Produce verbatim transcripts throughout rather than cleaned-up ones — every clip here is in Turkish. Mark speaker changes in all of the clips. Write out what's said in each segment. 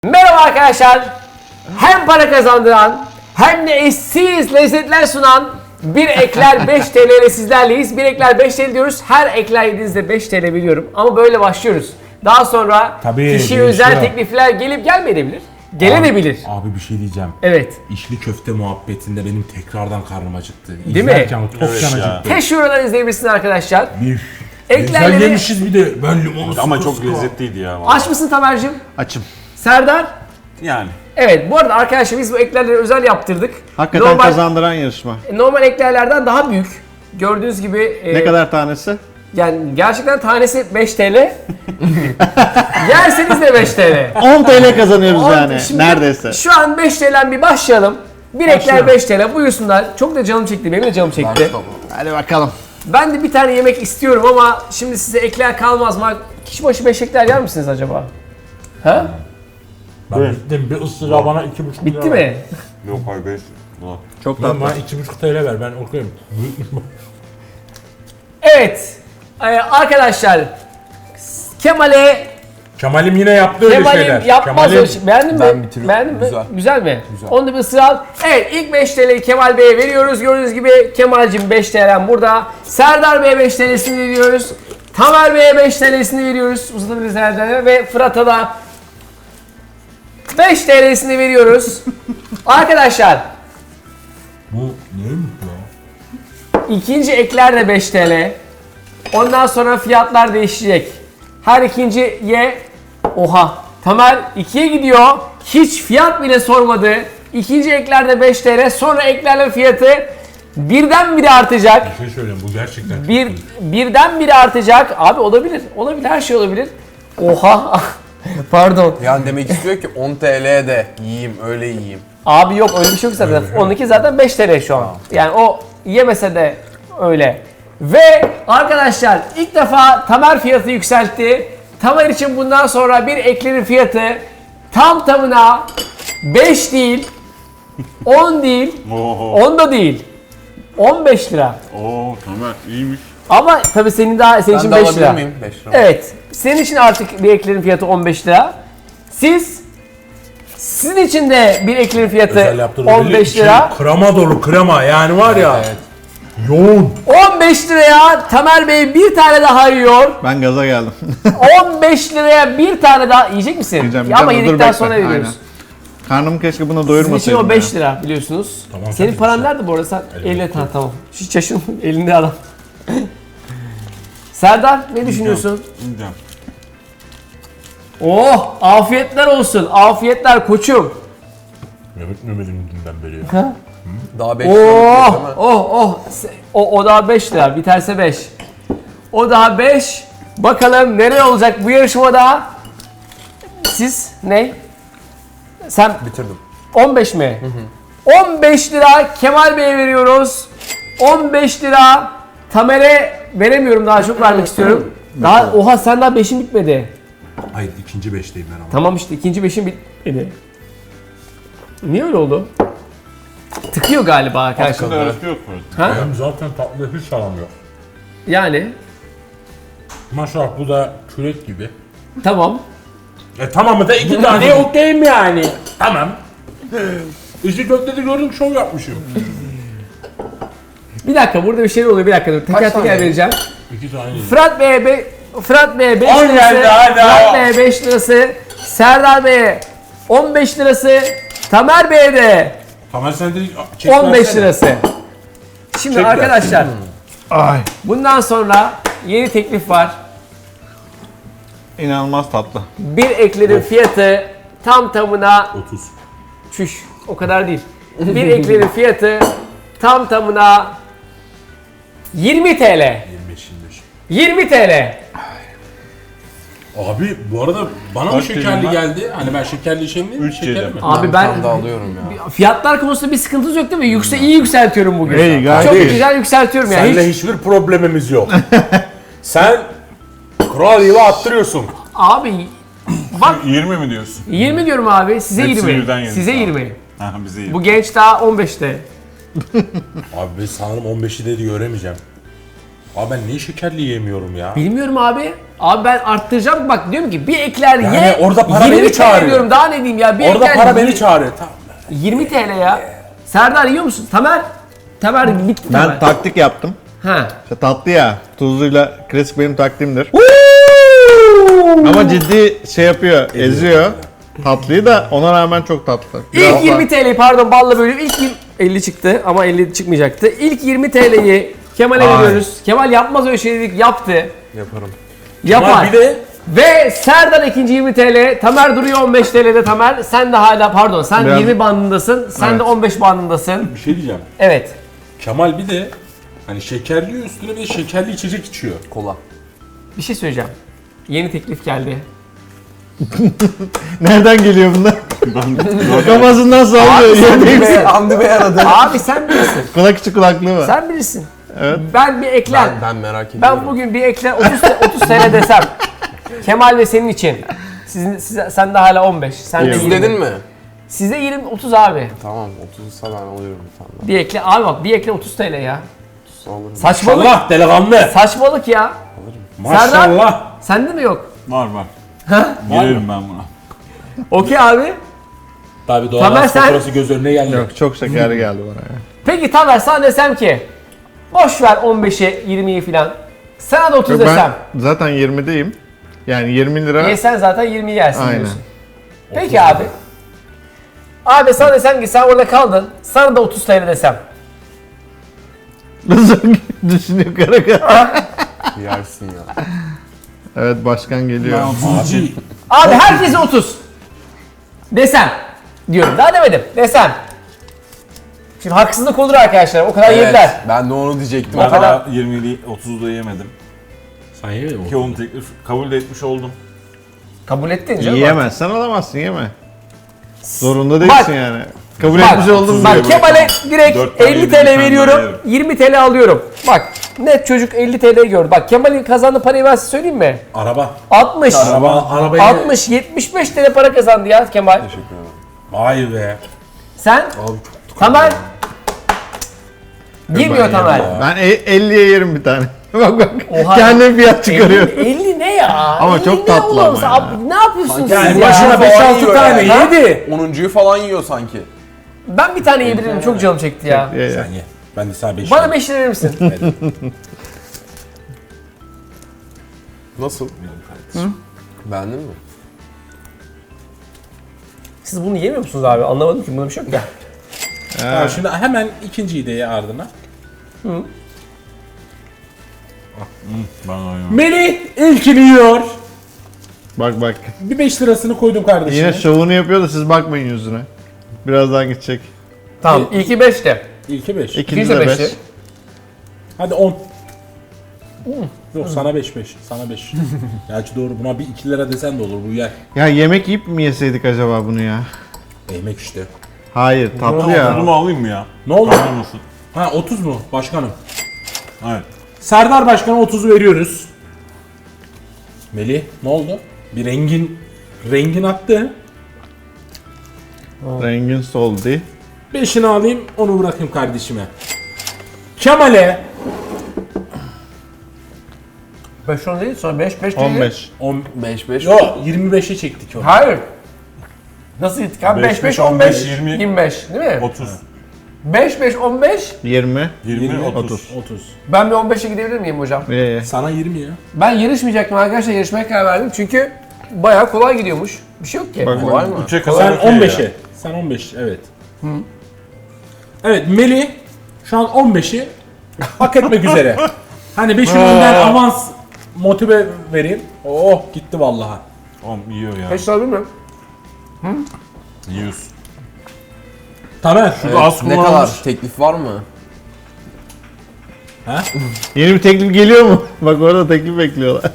Speaker 1: Merhaba arkadaşlar. Hem para kazandıran hem de eşsiz lezzetler sunan Bir Ekler beş T L ile sizlerleyiz. Bir Ekler beş T L diyoruz. Her ekler yediğinizde beş T L biliyorum. Ama böyle başlıyoruz. Daha sonra
Speaker 2: Tabii,
Speaker 1: kişiye
Speaker 2: değişiyor.
Speaker 1: özel teklifler gelip gelmeyebilir. Gelebilir.
Speaker 2: Abi, abi bir şey diyeceğim.
Speaker 1: Evet.
Speaker 2: İşli köfte muhabbetinde benim tekrardan karnım acıktı.
Speaker 1: Değil mi?
Speaker 2: İzlerken tok
Speaker 3: Evet
Speaker 2: can
Speaker 3: ya.
Speaker 2: acıktı.
Speaker 1: Teşhirden izleyebilirsiniz arkadaşlar.
Speaker 2: Bir.
Speaker 1: Eklerleri-
Speaker 2: Güzel yemişiz bir de. Ben limonu
Speaker 3: Ama
Speaker 2: sıkı
Speaker 3: çok
Speaker 2: sıkı.
Speaker 3: lezzetliydi ya. vallahi.
Speaker 1: Aç mısın Tamer'cim?
Speaker 4: Açım.
Speaker 1: Serdar?
Speaker 3: Yani.
Speaker 1: Evet, bu arada arkadaşlar biz bu eklerleri özel yaptırdık.
Speaker 4: Hakikaten
Speaker 1: normal,
Speaker 4: kazandıran yarışma.
Speaker 1: normal eklerlerden daha büyük. Gördüğünüz gibi
Speaker 4: Ne
Speaker 1: e,
Speaker 4: kadar tanesi?
Speaker 1: yani gerçekten tanesi beş T L. Yerseniz de beş T L.
Speaker 4: on T L kazanıyoruz
Speaker 1: On-
Speaker 4: yani.
Speaker 1: şimdi
Speaker 4: Neredeyse.
Speaker 1: Şu an beş T L'den bir başlayalım. Bir ekler beş T L buyursunlar. Çok da canım çekti. Benim de canım çekti.
Speaker 4: Hadi bakalım.
Speaker 1: Ben de bir tane yemek istiyorum ama şimdi size ekler kalmaz mı? Kişi başı beş ekler yer misiniz acaba? Ha?
Speaker 2: Ben bittim. Bir ısırığa bana iki buçuk lira
Speaker 1: Bitti
Speaker 2: ver.
Speaker 1: mi?
Speaker 3: Yok hayır beş. Ulan.
Speaker 4: Çok
Speaker 2: Ben
Speaker 4: tatlı.
Speaker 2: bana iki buçuk T L ver. Ben okuyayım.
Speaker 1: Evet. Ee, arkadaşlar Kemal'e
Speaker 2: Kemal'im yine yaptı öyle şeyler.
Speaker 1: Kemal'im yapmaz
Speaker 2: Kemal'im-
Speaker 1: öyle şey. Beğendin mi?
Speaker 5: Ben bitiriyorum.
Speaker 1: Beğendin mi?
Speaker 5: Güzel.
Speaker 1: Güzel mi?
Speaker 5: Güzel.
Speaker 1: Onu da bir ısır al. Evet, ilk beş T L'yi Kemal Bey'e veriyoruz. Gördüğünüz gibi Kemal'cim beş T L'm burada. Serdar Bey'e beş T L'sini veriyoruz. Tamer Bey'e beş T L'sini veriyoruz. Uzatabiliriz Serdar'a ve Fırat'a da beş T L'sini veriyoruz. Arkadaşlar
Speaker 2: Bu neymiş ya?
Speaker 1: ikinci ekler de beş T L. Ondan sonra fiyatlar değişecek. Her ikinci ye oha. Tamer ikiye gidiyor. Hiç fiyat bile sormadı. İkinci eklerde beş T L. Sonra eklerle fiyatı birdenbire artacak.
Speaker 2: Bir şey söyleyeyim. Bu gerçekten çok
Speaker 1: Bir
Speaker 2: iyi.
Speaker 1: birdenbire artacak. Abi olabilir. Olabilir. Her şey olabilir. Oha. Pardon.
Speaker 5: Yani demek istiyor ki on T L'de yiyeyim, öyle yiyeyim.
Speaker 1: Abi yok öyle bir şey yok zaten. Onunki zaten beş T L şu an. Yani o yemese de öyle. Ve arkadaşlar ilk defa Tamer fiyatı yükseltti. Tamer için bundan sonra bir eklerin fiyatı tam tamına beş değil, on değil,
Speaker 3: Oho.
Speaker 1: on da değil. on beş lira.
Speaker 3: Oo Tamer iyiymiş.
Speaker 1: Ama tabii senin daha senin
Speaker 5: Ben
Speaker 1: için
Speaker 5: de
Speaker 1: beş
Speaker 5: alabilir
Speaker 1: lira.
Speaker 5: miyim? beş lira.
Speaker 1: Evet. Senin için artık bir eklerin fiyatı on beş lira. Siz sizin için de bir eklerin fiyatı
Speaker 2: Özel yaptırdı.
Speaker 1: on beş lira.
Speaker 2: Şey, krema dolu krema yani var ya.
Speaker 5: Evet.
Speaker 2: Yoğun.
Speaker 1: on beş liraya Tamer Bey bir tane daha yiyor.
Speaker 4: Ben gaza geldim.
Speaker 1: on beş liraya bir tane daha yiyecek misin?
Speaker 4: Yiyeceğim,
Speaker 1: Ya ama
Speaker 4: yiyeceğim. Dur
Speaker 1: yedikten
Speaker 4: bekle.
Speaker 1: sonra veriyoruz.
Speaker 4: Aynen. Karnımı keşke bunu
Speaker 1: Sizin için
Speaker 4: doyurmasaydım.
Speaker 1: o
Speaker 4: ya.
Speaker 1: beş lira biliyorsunuz.
Speaker 2: Tamam,
Speaker 1: Senin
Speaker 2: tabii
Speaker 1: paran
Speaker 2: ki.
Speaker 1: nerede bu arada? Sen
Speaker 2: Elimde.
Speaker 1: elinde ha, tamam. Hiç şaşırma elinde adam. Serdar ne düşünüyorsun?
Speaker 3: Yiyeceğim.
Speaker 1: Oh afiyetler olsun. Afiyetler koçum.
Speaker 2: Mehmet Mehmet'in dünden beri ya.
Speaker 5: Daha beş lira değil
Speaker 1: Oh
Speaker 5: mi?
Speaker 1: oh oh. O, o daha beş lira. Biterse beş. O daha beş. Bakalım nereye olacak bu yarışmada? Siz ne? Sen
Speaker 5: Bitirdim.
Speaker 1: on beş mi? on beş lira Kemal Bey'e veriyoruz. on beş lira Tamer'e veremiyorum, daha çok vermek istiyorum. Daha oha sen daha beşin bitmedi.
Speaker 2: Hayır ikinci beşteyim ben ama.
Speaker 1: Tamam işte ikinci beşin bitmedi. Niye öyle oldu? Tıkıyor galiba arkadaşlar.
Speaker 3: Aslında arası yok mu?
Speaker 1: Ha?
Speaker 2: Benim zaten tatlı hiç alamıyor.
Speaker 1: Yani
Speaker 2: Maşallah bu da kürek gibi.
Speaker 1: tamam.
Speaker 2: E tamamı da iki tane okeyim yani. Tamam. İşte köftede gördüm şov yapmışım.
Speaker 1: Bir dakika burada bir şey oluyor, bir dakika dur. Teker
Speaker 5: Kaç
Speaker 1: teker
Speaker 5: tane?
Speaker 1: vereceğim.
Speaker 2: İki tane yedim.
Speaker 1: Fırat Bey'e be, Fırat Bey'e beş
Speaker 2: On
Speaker 1: lirası.
Speaker 2: geldi, hadi.
Speaker 1: Fırat Bey'e beş lirası. Serdar Bey'e on beş lirası. Tamer Bey'e de
Speaker 2: Tamer sen de çek
Speaker 1: on beş
Speaker 2: versene.
Speaker 1: lirası. Şimdi
Speaker 2: Çek
Speaker 1: arkadaşlar
Speaker 4: Ay.
Speaker 1: bundan sonra yeni teklif var.
Speaker 4: İnanılmaz tatlı.
Speaker 1: Bir eklerin fiyatı tam tamına
Speaker 2: otuz.
Speaker 1: çüş o kadar değil. Bir eklerin fiyatı tam tamına yirmi T L.
Speaker 2: yirmi beş yirmi beş.
Speaker 1: yirmi T L.
Speaker 2: Abi bu arada bana mı
Speaker 3: Kaç
Speaker 2: şekerli
Speaker 3: yedim ben?
Speaker 2: geldi? Hani ben şekerli içeyim değil mi?
Speaker 3: Üç
Speaker 2: Şekerli
Speaker 3: yedim.
Speaker 2: mi?
Speaker 1: Abi
Speaker 5: Bir
Speaker 1: ben
Speaker 5: tane daha alıyorum ya.
Speaker 1: fiyatlar konusunda bir sıkıntınız yok değil mi? Yükse iyi yükseltiyorum bugün.
Speaker 4: İyi, gayet
Speaker 1: Çok
Speaker 4: iyi.
Speaker 1: güzel yükseltiyorum yani.
Speaker 2: Seninle
Speaker 1: Hiç,
Speaker 2: hiçbir problemimiz yok. Sen kural yılı attırıyorsun.
Speaker 1: abi bak
Speaker 3: yirmi mi diyorsun?
Speaker 1: yirmi diyorum abi. Size
Speaker 3: Hepsini
Speaker 1: yirmi.
Speaker 3: birden yedik
Speaker 1: Size
Speaker 3: abi.
Speaker 1: yirmi.
Speaker 3: Ha bize iyi.
Speaker 1: Bu genç daha on beşte.
Speaker 2: Abi ben sanırım on beşi de göremeyeceğim. Abi ben niye şekerli yiyemiyorum ya?
Speaker 1: Bilmiyorum abi. Abi ben arttıracağım bak diyorum ki bir ekler
Speaker 2: Yani
Speaker 1: ye.
Speaker 2: orada para
Speaker 1: yirmi
Speaker 2: beni
Speaker 1: T L
Speaker 2: çağırıyor.
Speaker 1: diyorum daha ne diyeyim ya. Bir
Speaker 2: Orada
Speaker 1: ekler
Speaker 2: para beni
Speaker 1: yirmi
Speaker 2: çağırıyor. Tamam.
Speaker 1: yirmi T L ya. Serdar yiyor musun? Tamer. Tamer bitti
Speaker 4: Ben
Speaker 1: Tamer.
Speaker 4: taktik yaptım.
Speaker 1: Ha.
Speaker 4: İşte tatlı ya. Tuzluyla klasik benim taktiğimdir. Ama ciddi şey yapıyor, eziyor. Tatlıyı da ona rağmen çok tatlı. Biraz
Speaker 1: İlk yirmi T L pardon balla bölüyor. İlk yirmi elli çıktı ama elli çıkmayacaktı. İlk yirmi T L'yi Kemal'e
Speaker 4: Ay.
Speaker 1: veriyoruz. Kemal yapmaz öyle şey dedik. Yaptı.
Speaker 5: Yaparım.
Speaker 1: Yapar.
Speaker 2: Ama bir de
Speaker 1: Ve Serdar ikinci yirmi T L. Tamer duruyor on beş T L'de Tamer. Sen de hala pardon sen
Speaker 4: Biraz-
Speaker 1: yirmi bandındasın. Sen
Speaker 4: Evet.
Speaker 1: de on beş bandındasın.
Speaker 2: bir şey diyeceğim.
Speaker 1: Evet.
Speaker 2: Kemal bir de hani şekerli üstüne bir de şekerli içecek içiyor.
Speaker 5: Kola.
Speaker 1: Bir şey söyleyeceğim. Yeni teklif geldi.
Speaker 4: Nereden geliyor bunlar? Kafasından sallıyor. Yemeğim.
Speaker 5: Bey, Hamdi Bey aradı.
Speaker 1: Abi sen bilirsin.
Speaker 4: Kulak içi kulaklığı var.
Speaker 1: Sen bilirsin.
Speaker 4: Evet.
Speaker 1: Ben bir ekler.
Speaker 5: Ben, ben merak ediyorum.
Speaker 1: Ben bugün bir ekler otuz, te- otuz T L desem. Kemal ve senin için. Sizin, size, sen de hala on beş. Sen de
Speaker 4: İyi.
Speaker 5: otuz
Speaker 1: yirmi.
Speaker 5: dedin mi?
Speaker 1: Size yirmi otuz abi.
Speaker 5: Tamam otuzsa ben alıyorum bir tane daha.
Speaker 1: Bir ekle. Abi bak bir ekle otuz T L ya.
Speaker 5: otuz alırım.
Speaker 1: Saçmalık.
Speaker 2: Allah delikanlı.
Speaker 1: Saçmalık ya.
Speaker 2: Maşallah.
Speaker 1: Sende mi yok?
Speaker 3: Var var.
Speaker 1: Ha?
Speaker 3: Girerim ben buna.
Speaker 1: Okey abi.
Speaker 2: Tabii doğal
Speaker 1: Tamer
Speaker 2: gaz
Speaker 1: sen-
Speaker 2: faturası göz önüne geldi.
Speaker 4: Yok çok şekerli geldi bana ya.
Speaker 1: Peki Tamer sana desem ki boş ver on beşi yirmiyi filan. Sana da otuz
Speaker 4: Yok,
Speaker 1: desem.
Speaker 4: ben zaten yirmideyim. Yani yirmi lira.
Speaker 1: Yesen zaten yirmi yersin
Speaker 4: Aynen.
Speaker 1: diyorsun. Peki abi. Abi sana desem ki sen orada kaldın. Sana da otuz T L desem.
Speaker 4: Nasıl düşünüyor kara kara.
Speaker 5: Yersin ya.
Speaker 4: Evet başkan geliyor.
Speaker 3: Ben otuz için.
Speaker 1: Abi herkese otuz. Desem. Diyorum. Daha demedim. Desem. Şimdi haksızlık olur arkadaşlar. O kadar yediler.
Speaker 5: Evet, ben de onu diyecektim.
Speaker 3: Ben
Speaker 1: O kadar-
Speaker 3: daha yirmiyi otuzda yemedim.
Speaker 2: Sen ye
Speaker 3: Ki onun teklif kabul de etmiş oldum.
Speaker 1: Kabul ettin canım.
Speaker 4: Yiyemezsen alamazsın yeme. Zorunda değilsin
Speaker 1: Bak.
Speaker 4: yani. Kabul
Speaker 1: Bak,
Speaker 4: etmiş oldun.
Speaker 1: Bak
Speaker 3: diye
Speaker 1: Kemal'e direkt
Speaker 3: Dört tane
Speaker 1: elli
Speaker 3: yedim,
Speaker 1: T L
Speaker 3: bir tane daha
Speaker 1: veriyorum.
Speaker 3: yerim.
Speaker 1: yirmi T L alıyorum. Bak net çocuk elli T L gördü. Bak Kemal'in kazandığı parayı ben size söyleyeyim mi?
Speaker 2: Araba.
Speaker 1: altmış.
Speaker 2: Araba, arabayı...
Speaker 1: altmış yetmiş beş T L para kazandı ya Kemal.
Speaker 5: Teşekkür ederim.
Speaker 2: Vay be.
Speaker 1: Sen?
Speaker 5: Abi çok
Speaker 1: Tamer? Girmiyor
Speaker 2: Ben
Speaker 1: Tamer.
Speaker 2: yerim
Speaker 4: Ben e- elliye yerim bir tane. bak bak.
Speaker 1: Oha.
Speaker 4: Kendim fiyat çıkarıyor.
Speaker 1: elli, elli ne ya?
Speaker 4: Ama
Speaker 1: elli
Speaker 4: çok
Speaker 1: ne
Speaker 4: tatlı
Speaker 1: oğlum?
Speaker 4: ama
Speaker 1: Sen-
Speaker 4: ya.
Speaker 1: Abi ne yapıyorsunuz
Speaker 2: Yani
Speaker 1: siz ya?
Speaker 2: başına beş
Speaker 5: falan
Speaker 2: altı
Speaker 5: yiyor
Speaker 2: tane
Speaker 5: yani.
Speaker 2: yedi.
Speaker 5: onuncuyu falan yiyor sanki.
Speaker 1: Ben bir tane yiyebilirim. Çok canım çekti ya.
Speaker 4: Ye, ye.
Speaker 2: Sen ye. Ben de sana beş
Speaker 1: Bana
Speaker 2: yerim.
Speaker 1: beş lira verir misin?
Speaker 5: Nasıl? Beğendin mi?
Speaker 1: Siz bunu yemiyor musunuz abi? Anlamadım ki. Bunda bir şey yok ya.
Speaker 2: Tamam, şimdi hemen ikinciyi de ye ardına.
Speaker 3: Ben oynuyorum.
Speaker 2: Melih ilkini yiyor.
Speaker 4: Bak bak.
Speaker 2: Bir beş lirasını koydum kardeşime.
Speaker 4: Yine şovunu yapıyor da siz bakmayın yüzüne. Birazdan gidecek.
Speaker 1: Tamam. İlki beşte.
Speaker 2: İlki beş.
Speaker 4: İkinci
Speaker 1: İkinci
Speaker 4: de
Speaker 1: de
Speaker 4: beş.
Speaker 1: beşti.
Speaker 2: Hadi on. Yok sana beş beş. Sana beş. Gerçi doğru buna bir iki lira desen de olur bu yer.
Speaker 4: Ya yemek yiyip mi yeseydik acaba bunu ya?
Speaker 2: Yemek işte.
Speaker 4: Hayır tatlı
Speaker 3: Oturumu
Speaker 4: ya.
Speaker 3: alayım mı ya?
Speaker 2: Ne oldu?
Speaker 3: Anlamasın.
Speaker 2: Ha otuz mu başkanım?
Speaker 3: Evet.
Speaker 2: Serdar Başkan'a otuzu veriyoruz. Melih ne oldu? Bir rengin rengin attı.
Speaker 4: Rengin soldu.
Speaker 2: Beşini alayım onu bırakayım kardeşime. Kemal'e
Speaker 1: beş on değil sonra beş beş değil.
Speaker 4: on beş.
Speaker 2: on
Speaker 5: beş beş.
Speaker 2: Yo yirmi beşe çektik onu.
Speaker 1: Hayır. Nasıl gittik abi? beş beş on beş
Speaker 3: yirmi.
Speaker 1: yirmi beş değil mi?
Speaker 3: otuz.
Speaker 1: beş beş on beş.
Speaker 4: yirmi.
Speaker 3: yirmi, otuz.
Speaker 4: otuz.
Speaker 2: otuz.
Speaker 1: Ben bir on beşe gidebilir miyim hocam?
Speaker 4: Ye ye.
Speaker 2: Sana yirmi ya.
Speaker 1: Ben yarışmayacaktım arkadaşlar. Yarışmaya karar verdim. Çünkü bayağı kolay gidiyormuş. Bir şey yok ki.
Speaker 4: Bak,
Speaker 5: Kolay mı?
Speaker 3: üçe kadar
Speaker 2: Sen
Speaker 3: okey
Speaker 2: on
Speaker 3: ya.
Speaker 2: beşe. Sen on beş evet. Evet Melih şu an on beşi hak etmek üzere. Hani beşin önden avans motive vereyim. Oh gitti vallahi.
Speaker 3: Oğlum yiyor ya.
Speaker 1: Kaç alabilir miyim?
Speaker 3: Yiyorsun.
Speaker 2: Tamer.
Speaker 5: Evet,
Speaker 3: az
Speaker 5: ne
Speaker 3: kullanılmış.
Speaker 5: kadar? Teklif var mı?
Speaker 2: Ha?
Speaker 4: Yeni bir teklif geliyor mu? Bak orada teklif bekliyorlar.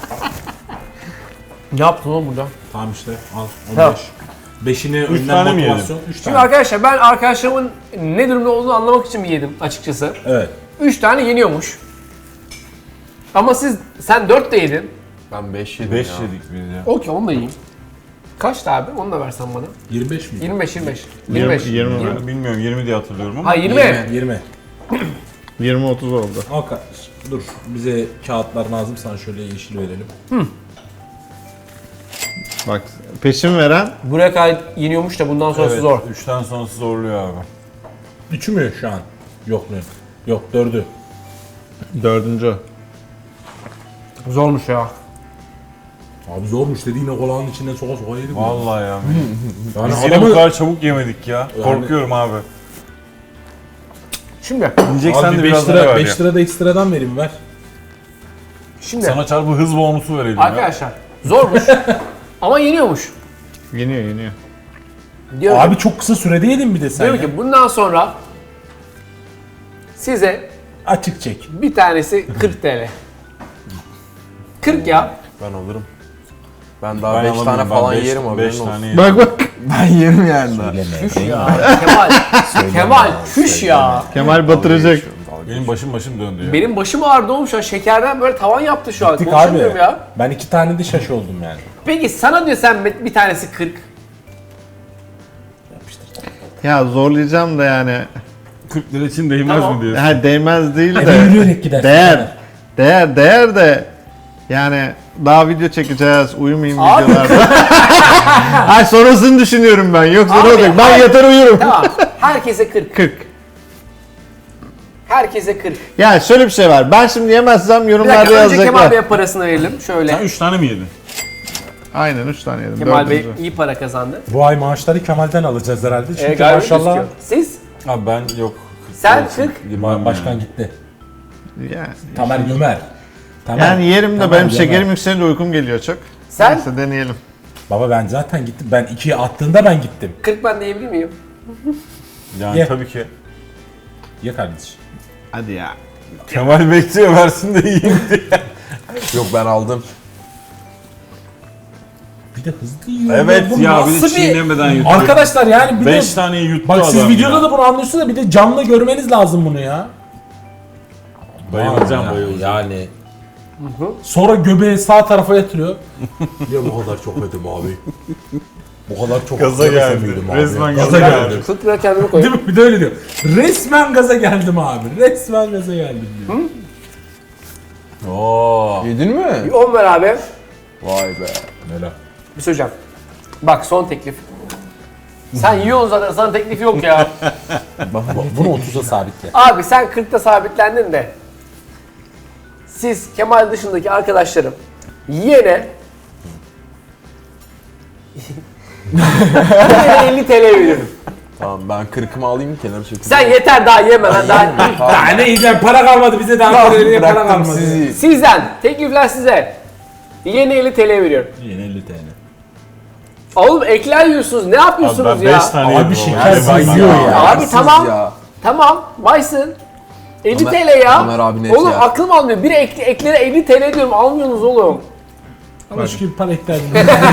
Speaker 1: Ne yaptın oğlum burada?
Speaker 2: Tamam işte al on beş.
Speaker 1: Tamam.
Speaker 2: Beşini önden
Speaker 3: tane mi
Speaker 2: motivasyon. Üç
Speaker 1: Şimdi
Speaker 2: tane.
Speaker 1: arkadaşlar ben arkadaşlarımın ne durumda olduğunu anlamak için mi yedim açıkçası?
Speaker 2: Evet.
Speaker 1: üç tane yeniyormuş. Ama siz, sen dört de yedin.
Speaker 5: Ben beş yedim
Speaker 3: beş
Speaker 5: ya.
Speaker 3: yedik biz ya.
Speaker 1: Okey onu da yiyeyim. Kaçtı abi? Onu da versen bana.
Speaker 2: yirmi beş mi?
Speaker 1: yirmi beş yirmi beş.
Speaker 4: Yirmi-
Speaker 1: yirmi beş.
Speaker 4: yirmi.
Speaker 3: Ben bilmiyorum yirmi diye hatırlıyorum ama.
Speaker 1: Ha yirmi.
Speaker 2: yirmi.
Speaker 4: yirmi otuz oldu.
Speaker 2: Al kardeşim. Dur. Bize kağıtlar lazım. Sana şöyle yeşil verelim.
Speaker 4: Bak peşin veren
Speaker 1: Buraya kadar yeniyormuş da bundan sonrası
Speaker 3: Evet,
Speaker 1: zor.
Speaker 3: üçten sonrası zorluyor abi.
Speaker 2: Üçü mü şu an? Yok mu? Yok dördü.
Speaker 4: dördüncü.
Speaker 1: Zormuş ya.
Speaker 2: Abi zormuş dedi yine kolanın içinden soka soka yedik.
Speaker 3: Vallahi ya.
Speaker 2: Yani
Speaker 3: Biz yine
Speaker 2: adamı-
Speaker 3: bu kadar çabuk yemedik ya. Korkuyorum abi.
Speaker 1: Şimdi,
Speaker 3: Yiyeceksen
Speaker 2: Abi
Speaker 3: de
Speaker 2: beş
Speaker 3: biraz
Speaker 2: lira,
Speaker 3: daha ver
Speaker 2: beş
Speaker 3: ya.
Speaker 2: lira da ekstradan vereyim ver.
Speaker 1: şimdi
Speaker 3: Sana çarpı hız bonusu verelim ya.
Speaker 1: arkadaşlar zormuş ama yeniyormuş.
Speaker 4: Yeniyor yeniyor.
Speaker 1: Diyor
Speaker 2: Abi
Speaker 1: ki,
Speaker 2: çok kısa sürede yedin bir de sen
Speaker 1: diyor
Speaker 2: ya.
Speaker 1: ki bundan sonra size
Speaker 2: Açık çek.
Speaker 1: bir tanesi kırk TL. kırk ya.
Speaker 5: Ben alırım. Ben daha
Speaker 3: Ben
Speaker 5: beş
Speaker 3: alamıyorum,
Speaker 5: tane
Speaker 3: ben
Speaker 5: falan
Speaker 3: beş-
Speaker 5: yerim
Speaker 3: beş
Speaker 5: haberin olsun.
Speaker 3: tane yerim.
Speaker 4: Bak bak.
Speaker 5: Ben yerim yani daha.
Speaker 1: Küş ya. Kemal. Kemal küş ya.
Speaker 4: Kemal batıracak.
Speaker 3: Benim başım başım döndü ya.
Speaker 1: Benim başım ağrıdı oğlum şu an. Şekerden böyle tavan yaptı şu an.
Speaker 2: Dik abi.
Speaker 1: Konuşamıyorum ya.
Speaker 2: Ben iki tane de şaş oldum yani.
Speaker 1: Peki sana diyor sen bir tanesi kırk.
Speaker 4: Ya zorlayacağım da yani.
Speaker 3: kırk lira için değmez
Speaker 1: Tamam.
Speaker 3: mi diyorsun?
Speaker 4: Ha değmez değil
Speaker 2: Eve
Speaker 4: de.
Speaker 2: yürüyerek gidersin.
Speaker 4: Değer. Değer değer de yani daha video çekeceğiz. Uyumayayım
Speaker 1: Abi.
Speaker 4: videolarda. Ay sonrasını düşünüyorum ben. Yoksa
Speaker 1: Abi,
Speaker 4: ne olacak? Ben
Speaker 1: hayır.
Speaker 4: yatar uyurum.
Speaker 1: Tamam. Herkese kırk.
Speaker 4: kırk.
Speaker 1: Herkese kırk.
Speaker 4: Ya şöyle bir şey var. Ben şimdi yemezsem
Speaker 1: Bir
Speaker 4: yorumlarda
Speaker 1: dakika önce Kemal
Speaker 4: yazacaklar.
Speaker 1: Bey'e parasını verelim. Şöyle.
Speaker 3: Sen üç tane mi yedin?
Speaker 4: Aynen üç tane yedim.
Speaker 1: Kemal Bey
Speaker 4: dördüncü.
Speaker 1: iyi para kazandı.
Speaker 2: Bu ay maaşları Kemal'den alacağız herhalde. Çünkü
Speaker 1: Ee, gayet
Speaker 2: maşallah
Speaker 1: gözüküyor. Siz?
Speaker 3: Abi ben yok.
Speaker 1: Sen kırk.
Speaker 2: ba- başkan gitti.
Speaker 4: Yani,
Speaker 2: Tamer Gömer. Tamer.
Speaker 4: yani yerim de
Speaker 2: Tamer
Speaker 4: benim
Speaker 2: Gömer.
Speaker 4: şekerim yükselince uykum geliyor çok.
Speaker 1: Sen?
Speaker 4: Neyse deneyelim.
Speaker 2: Baba ben zaten gittim. Ben ikiye attığında ben gittim.
Speaker 1: kırk ben diyebilir miyim?
Speaker 3: Yani
Speaker 2: Ye.
Speaker 3: tabii ki.
Speaker 2: Ye kardeşim.
Speaker 4: Hadi ya.
Speaker 3: Kemal bekliyor versin de yiyeyim diye.
Speaker 5: Yok ben aldım.
Speaker 2: Bir de hızlı yiyor.
Speaker 3: Evet
Speaker 2: Bu
Speaker 3: ya bir
Speaker 2: nasıl
Speaker 3: de çiğnemeden yuttu.
Speaker 2: Arkadaşlar yani bir
Speaker 3: beş
Speaker 2: de...
Speaker 3: taneyi yuttu
Speaker 2: Bak
Speaker 3: adam
Speaker 2: siz videoda
Speaker 3: ya.
Speaker 2: da bunu anlıyorsunuz da bir de canlı görmeniz lazım bunu ya.
Speaker 3: Bayılacağım
Speaker 2: Ya,
Speaker 3: bayılacağım.
Speaker 2: Yani. Sonra göbeği sağ tarafa yatırıyor. Ya bu kadar çok yedim abi. Bu kadar çok
Speaker 3: Gaza
Speaker 2: yemesem
Speaker 3: geldi.
Speaker 2: miydim abi?
Speaker 3: Resmen
Speaker 2: Gaza
Speaker 3: gaza
Speaker 2: geldi.
Speaker 3: geldi.
Speaker 1: kırk lira kendimi
Speaker 2: Değil
Speaker 1: koyayım.
Speaker 2: mi? Bir de öyle diyor. Resmen gaza geldim abi. Resmen gaza geldim diyor.
Speaker 3: Oo.
Speaker 5: Yedin mi?
Speaker 1: Bir on ver abi.
Speaker 5: Vay be.
Speaker 2: Öyle.
Speaker 1: Bir söyleyeceğim. Bak son teklif. Sen yiyorsun zaten sana teklif yok ya.
Speaker 2: Bak, bunu otuza sabitle.
Speaker 1: Abi sen kırkta sabitlendin de. Siz Kemal dışındaki arkadaşlarım yiyene yiyene elli TL veririm.
Speaker 5: Tamam ben kırkımı alayım kenara çekeyim.
Speaker 1: Sen yeter daha yeme lan daha.
Speaker 2: Daha ne yiyeceğim? Para kalmadı bize daha para para
Speaker 5: Bıraktım
Speaker 2: kalmadı.
Speaker 5: sizi.
Speaker 1: Sizden teklifler size. Yiyene elli TL veriyorum.
Speaker 2: Yine elli TL.
Speaker 1: Oğlum ekler yiyorsunuz ne
Speaker 3: Abi
Speaker 1: yapıyorsunuz
Speaker 3: ben
Speaker 1: ya?
Speaker 3: beş tane
Speaker 2: Abi
Speaker 3: yedim.
Speaker 2: şeker
Speaker 3: oğlum.
Speaker 2: yiyor
Speaker 3: Ben-
Speaker 2: ya.
Speaker 1: Abi
Speaker 5: Siz
Speaker 1: tamam.
Speaker 5: ya.
Speaker 1: Tamam vaysın. elli
Speaker 5: Ömer-
Speaker 1: TL ya.
Speaker 5: Ömer abi net
Speaker 1: Oğlum
Speaker 5: ya.
Speaker 1: aklım almıyor. Bir ek, eklere elli TL diyorum almıyorsunuz oğlum.
Speaker 2: Ama şu gibi para eklerdim.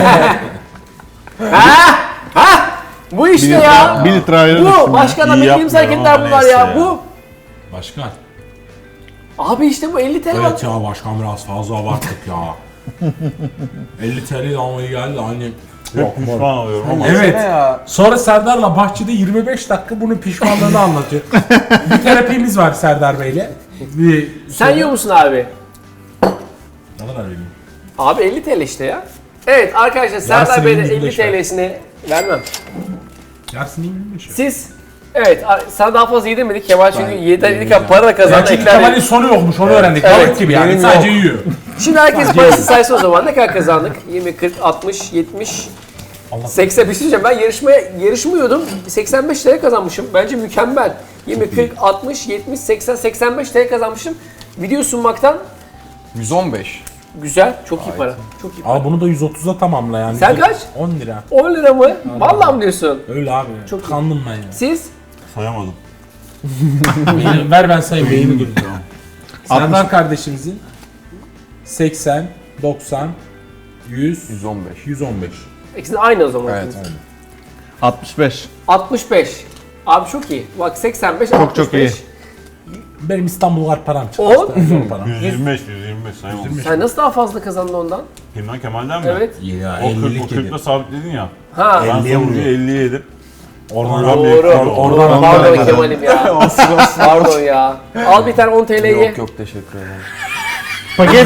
Speaker 1: Ha? Ha? Bu işte ya.
Speaker 4: Bir litre ayran
Speaker 1: Bu
Speaker 4: içtim ya.
Speaker 1: başka da
Speaker 3: İyi
Speaker 1: bildiğimiz
Speaker 3: yapmıyorum
Speaker 1: hareketler
Speaker 3: ama
Speaker 1: bunlar
Speaker 3: neyse
Speaker 1: ya.
Speaker 3: ya.
Speaker 1: Bu.
Speaker 2: Başkan.
Speaker 1: Abi işte bu elli TL bak.
Speaker 2: Evet ya başkan biraz fazla abarttık ya. elli T L almaya geldi hani.
Speaker 3: Hep pişman oluyorum ama.
Speaker 2: Evet.
Speaker 5: Ne ya?
Speaker 2: Sonra Serdar'la bahçede yirmi beş dakika bunun pişmanlığını anlatıyor. Bir terapimiz var Serdar Bey'le. Bir
Speaker 1: Sen yiyor musun abi?
Speaker 2: Ne kadar vereyim?
Speaker 1: Abi elli TL işte ya. Evet arkadaşlar Serdar Bey'de
Speaker 2: yirmi
Speaker 1: elli
Speaker 2: beş ver.
Speaker 1: TL'sini vermem.
Speaker 2: Yarısını yirmi beş.
Speaker 1: Siz evet a- sana daha fazla yedirmedik Kemal çünkü yedi
Speaker 5: yemeyeceğim.
Speaker 1: para da kazandı
Speaker 2: Çünkü
Speaker 1: ekler.
Speaker 2: Kemal'in sonu yokmuş onu öğrendik.
Speaker 1: Evet,
Speaker 2: Balık gibi yani
Speaker 5: benim
Speaker 2: sadece
Speaker 5: yok.
Speaker 2: yiyor.
Speaker 1: Şimdi herkes parası saysın o zaman ne kadar kazandık? yirmi, kırk, altmış, yetmiş,
Speaker 2: Allah-
Speaker 1: seksen bir şey diyeceğim ben yarışmaya yarışmıyordum. seksen beş TL kazanmışım. Bence mükemmel. yirmi, kırk, altmış, yetmiş, seksen, seksen beş TL kazanmışım. Video sunmaktan
Speaker 5: yüz on beş.
Speaker 1: güzel. Çok iyi para. Çok iyi para.
Speaker 2: Al bunu da yüz otuza tamamla yani.
Speaker 1: Sen kaç?
Speaker 2: on lira.
Speaker 1: on lira mı? Vallahi mı diyorsun?
Speaker 2: Öyle abi.
Speaker 1: Çok iyi.
Speaker 2: Kandım ben ya.
Speaker 1: Siz?
Speaker 3: Sayamadım.
Speaker 2: Beyni- ver ben sayayım beyni gülüyor. Serdar kardeşimizin seksen, doksan, yüz,
Speaker 5: yüz on beş.
Speaker 2: yüz on beş.
Speaker 1: İkisi de aynı o zaman.
Speaker 5: Evet.
Speaker 4: altmış beş.
Speaker 1: altmış beş. Abi çok iyi. Bak seksen beş,
Speaker 4: Çok
Speaker 1: altmış beş.
Speaker 4: çok iyi.
Speaker 2: Benim İstanbul var param çıktı.
Speaker 1: On.
Speaker 2: işte, zor param.
Speaker 3: yüz yirmi beş, yüz yirmi beş sayamadım.
Speaker 1: Sen nasıl daha fazla kazandın ondan?
Speaker 3: Kimden Kemal'den mi?
Speaker 1: Evet.
Speaker 2: Ya
Speaker 3: O kırk, o
Speaker 2: ellilik
Speaker 3: kırkla
Speaker 2: yedim.
Speaker 3: sabitledin ya.
Speaker 1: Ha.
Speaker 3: Ben
Speaker 2: elliye
Speaker 3: sonuncu
Speaker 2: vuruyor.
Speaker 3: elliye yedim.
Speaker 2: Oradan
Speaker 3: Oradan bir
Speaker 1: Doğru.
Speaker 3: ekran oldu.
Speaker 2: Oradan
Speaker 1: Pardon
Speaker 4: Oradan.
Speaker 1: Kemal'im ya. Pardon ya. Al bir tane on T L'yi.
Speaker 5: Yok yok teşekkür ederim.
Speaker 4: Paket.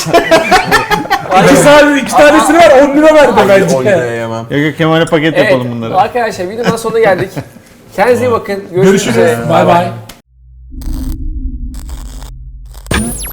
Speaker 2: İki tane, iki tanesini ver on lira verdi bence.
Speaker 5: on liraya yemem.
Speaker 4: Yok yok Kemal'e paket
Speaker 1: Evet
Speaker 4: yapalım bunları.
Speaker 1: arkadaşlar videonun sonuna geldik. Kendinize iyi bakın. Görüşmek
Speaker 2: Görüşürüz.
Speaker 1: üzere.
Speaker 2: Bay bay.